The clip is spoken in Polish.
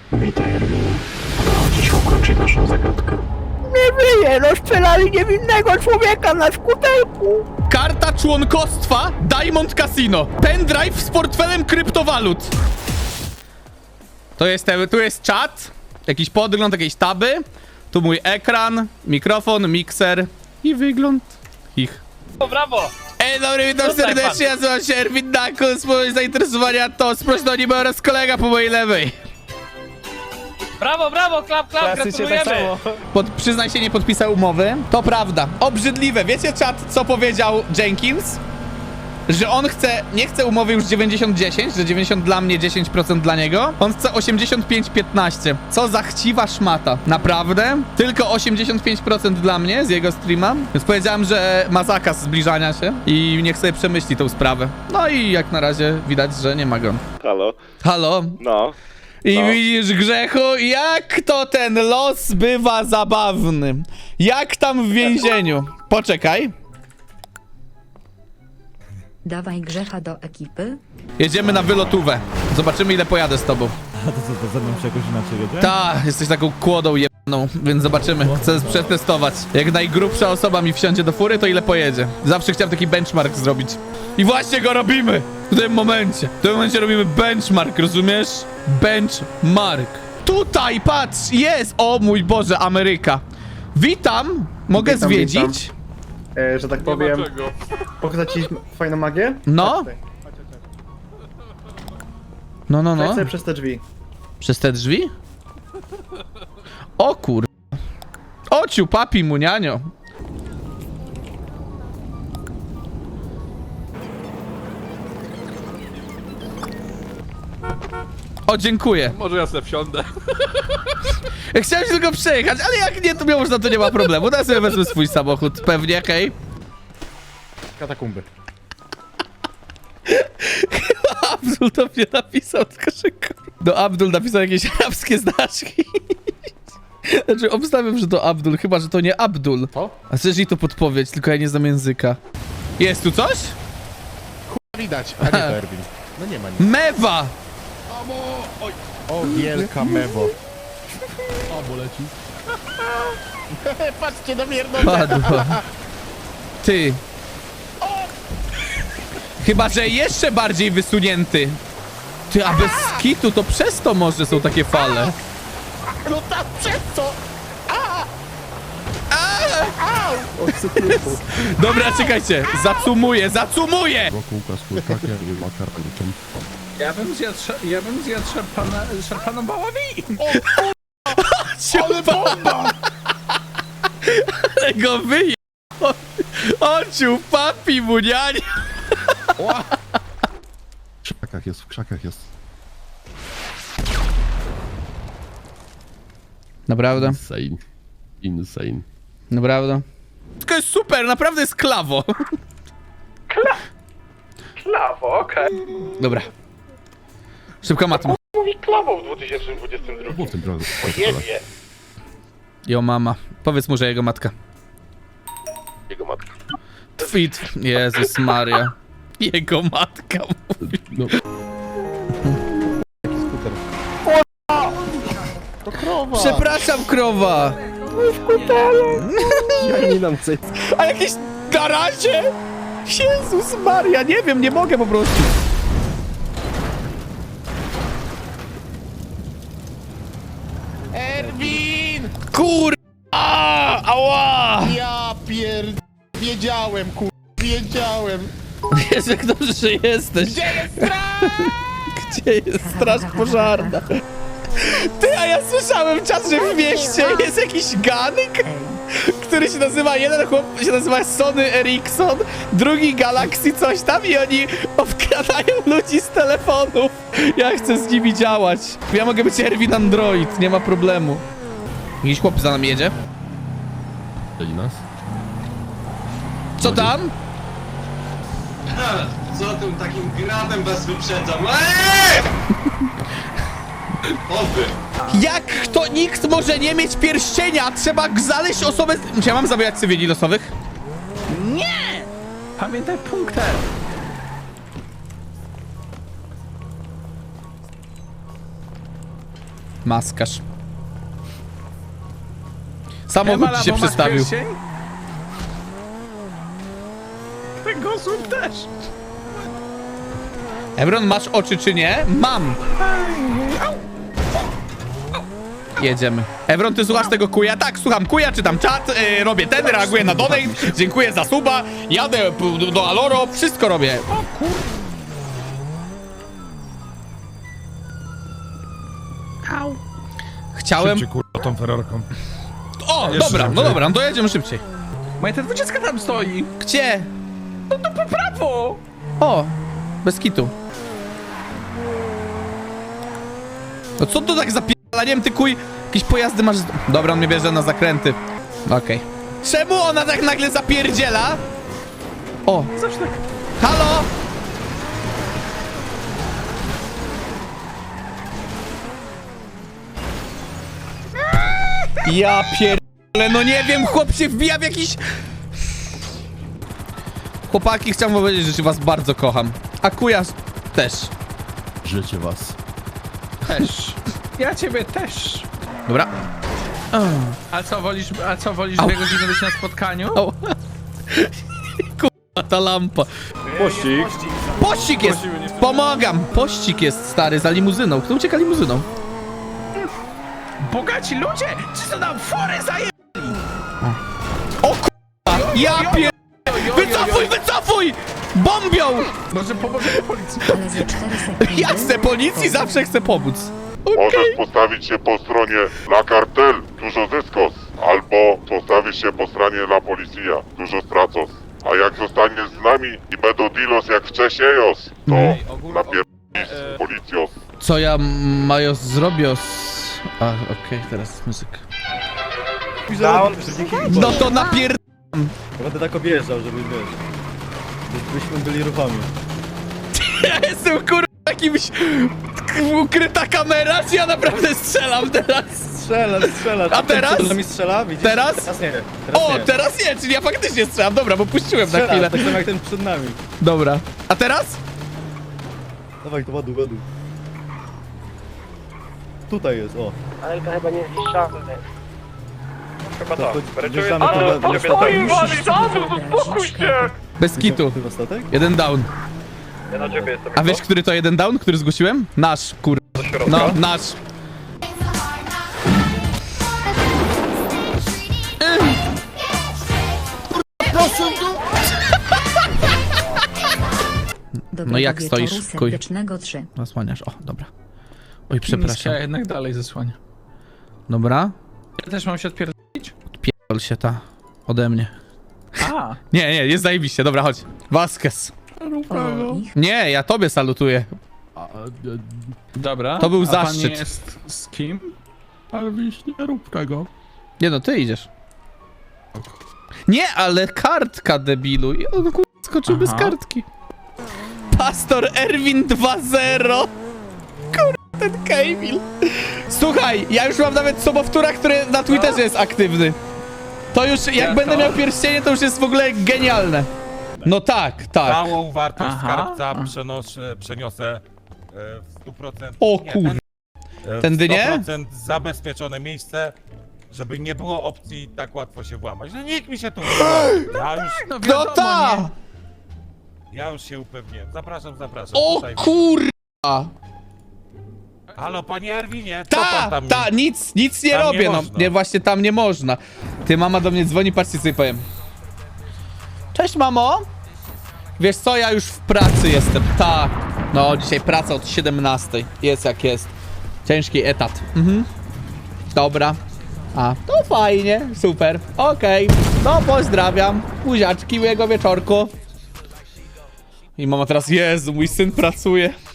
Witaj, Erwinie. Udało ci się ukończyć naszą zagadkę. Nie wyje, rozstrzelali niewinnego człowieka na skuterku. Karta członkostwa Diamond Casino. Pendrive z portfelem kryptowalut. Tu jest czat, jakiś podgląd, jakieś taby. Tu mój ekran, mikrofon, mikser i wygląd ich. O, brawo! Dobry, witam Tutaj serdecznie, ja nazywam się Erwin Dakus, moje zainteresowania to sprośno anime oraz kolega po mojej lewej. Brawo, brawo, klap, gratulujemy! Przyznaj się, nie podpisał umowy. To prawda. Obrzydliwe. Wiecie, czat, co powiedział Jenkins? Że on nie chce umowy już 90-10, że 90 dla mnie, 10% dla niego. On chce 85-15. Co za chciwa szmata. Naprawdę? Tylko 85% dla mnie z jego streama. Więc powiedziałem, że ma zakaz zbliżania się i niech sobie przemyśli tą sprawę. No i jak na razie widać, że nie ma go. Halo? Halo? No. I No. widzisz, Grzechu, jak to ten los bywa zabawny. Jak tam w więzieniu. Poczekaj. Dawaj Grzecha do ekipy. Jedziemy na wylotówę. Zobaczymy, ile pojadę z tobą. A to co, to ze mną się jakoś inaczej jedzie? Ta, jesteś taką kłodą jebaną, więc zobaczymy. Chcę przetestować. Jak najgrubsza osoba mi wsiądzie do fury, to ile pojedzie. Zawsze chciałem taki benchmark zrobić. I właśnie go robimy! W tym momencie. W tym momencie robimy benchmark, rozumiesz? Benchmark. Tutaj, patrz, jest! O mój Boże, Ameryka. Witam! Mogę Witam, zwiedzić? że tak powiem, pokazać ci fajną magię? No. Chodź tutaj. No. Wejdź sobie przez te drzwi. Przez te drzwi? O kur... Ociu, papi, munianio. O, dziękuję. Może ja sobie wsiądę. Ja chciałem się tylko przejechać, ale jak nie, to miało, to nie ma problemu. Teraz sobie wezmę swój samochód, pewnie, hej. Katakumby. Abdul to mnie napisał, tylko że do Abdul napisał jakieś arabskie znaczki. Znaczy, obstawiam, że to Abdul, chyba, że to nie Abdul. Co? A chcesz jej to podpowiedź, tylko ja nie znam języka. Jest tu coś? Widać, a nie to Erwin. No nie ma nic. Mewa! O, wielka mebo. O, bo leci. Patrzcie na mierno. Padła. Ty. Chyba, że jeszcze bardziej wysunięty. Ty, a bez skitu to przez to może są takie fale. No tak, przez co? Dobra, czekajcie. Zacumuję! Wokół kaskórkakia i makaroniciem. Ja bym zjadł szarpaną baławi. Ale bomba! Ale go wyje... Ociu, papi, munianie! W krzakach jest. Naprawdę? Insane. Naprawdę? To jest super, naprawdę jest klawo. Klawo, okej. Dobra. Szybka matma. Mówi klawo w 2022. Było w tym drogu. Jebie. Jo, mama. Powiedz mu, że jego matka. Jego matka. Fit. Jezus Maria. Jego matka mówi. No. To krowa! Przepraszam, krowa. Ja nie nam coś. A jakieś na razie? Jezus Maria, nie wiem, nie mogę po prostu. Erwin! Kur... Ała! Ja wiedziałem, wiedziałem. Jezu, jak dobrze, że jesteś. Gdzie jest straż? Gdzie jest straż pożarna? Ty, a ja słyszałem czas, że w mieście jest jakiś ganek, który się nazywa, jeden chłop się nazywa Sony Ericsson, drugi Galaxy coś tam i oni obkradają ludzi z telefonów. Ja chcę z nimi działać. Ja mogę być Erwin Android, nie ma problemu. Jakiś chłop za nami jedzie. I nas? Co tam? Co tym takim gradem was wyprzedzam? Oby! Jak to nikt może nie mieć pierścienia? Trzeba znaleźć osobę... Czy ja mam zabijać cywili losowych? Nie! Pamiętaj punkter. Maskarz. Samochód ci się przestawił. Ten Gosum też. Ebron, masz oczy czy nie? Mam. Jedziemy. Ebron, ty słuchasz tego kuja? Tak, słucham kuja, czytam czat, robię ten, reaguję na donate, dziękuję za suba, jadę do Aloro, wszystko robię. O kur... Chciałem... kurwa tą Ferrarką. O, dobra, no dobra, no to jedziemy szybciej. Moja ta 20 tam stoi. Gdzie? No to po prawo. O, bez kitu. No co to tak zapierdalaniem, ty kuj? Jakieś pojazdy masz... Dobra, on mnie bierze na zakręty. Okej. Czemu ona tak nagle zapierdziela? O, zawsze tak. Halo? Ja pierdolę, no nie wiem, chłop się wbija w jakiś... Chłopaki, chciałem powiedzieć, że was bardzo kocham. A kuja też. Życie was. Też. Ja ciebie też. Dobra. A co wolisz 2 godziny być na spotkaniu? O. Kurwa, ta lampa. Pościg. Pościg jest! Pomagam! Pościg jest, stary, za limuzyną. Kto ucieka limuzyną? Bogaci ludzie! Czy to nam fory zaje... O kurwa! Ja pier... Wycofuj, wycofuj! Bombią! Może pomożemy policji. Ale za 4 sekundy... Ja chcę policji, zawsze chcę pomóc. Możesz postawić się po stronie La Cartel, dużo zyskos. Albo postawisz się po stronie La Policja, dużo stracos. A jak zostaniesz z nami i będą dealos jak wcześniej, to napierdolisz z policjos. Co ja mają zrobić? A, okej, teraz muzyka. Down. No to napier... Będę tak objeżdżał, żeby wiesz. Byśmy byli ruchami. Ja jestem kurwa jakimś... Ukryta kamera, czy ja naprawdę strzelam teraz? Strzela. A teraz? Przed nami strzela, widzisz? Teraz? Teraz nie. O, teraz nie, czyli ja faktycznie strzelam. Dobra, bo puściłem na Strzela, chwilę. tak samo jak ten przed nami. Dobra. A teraz? Dawaj, to ładuj. Tutaj jest, o. Alka chyba nie zniszczamy. Chyba To tak. wjeżdżamy na statek. Bez kitu. Ty na statek? Jeden down. Ja na ciebie jestem. A wiesz, który to jeden down, który zgłosiłem? Nasz, kur... No, nasz. No jak stoisz, kuj? Serdecznego 3. Zasłaniasz, o, dobra. Oj, przepraszam. Ja jednak dalej zasłania. Dobra. Ja też mam się odpierdolić? Pierdol się ta ode mnie. A. Nie, jest zajebiście, dobra, chodź. Vasquez. O ich. Nie, ja tobie salutuję. Dobra. To był A zaszczyt. pan nie jest z kim? Ale wiesz, nie rób tego. Nie no, ty idziesz. Nie, ale kartka, debilu. I on kur... skoczył bez Aha. kartki. Pastor Erwin 2.0. Kur... ten Kamil. Słuchaj, ja już mam nawet sobowtóra, który na Twitterze jest aktywny. To już, jak Ja będę to- miał pierścienie, to już jest w ogóle genialne. No tak. Całą wartość Aha. skarbca przeniosę w 100%. O nie, kur... w Tędy nie? 100% zabezpieczone miejsce, żeby nie było opcji tak łatwo się włamać. No nikt mi się tu nie No ta! ja już się upewniłem. Zapraszam. O Tutaj. kurwa! Halo, panie Erwinie, co pan tam Nic nie tam nie robię, no. można. Nie, właśnie tam nie można. Ty, mama do mnie dzwoni, patrzcie, co jej powiem. Cześć, mamo! Wiesz co, ja już w pracy jestem, tak. No, dzisiaj praca od 17. Jest jak jest. Ciężki etat. Dobra. A, to fajnie, super. Okej, no pozdrawiam. Buziaczki, miłego wieczorku. I mama teraz, Jezu, mój syn pracuje.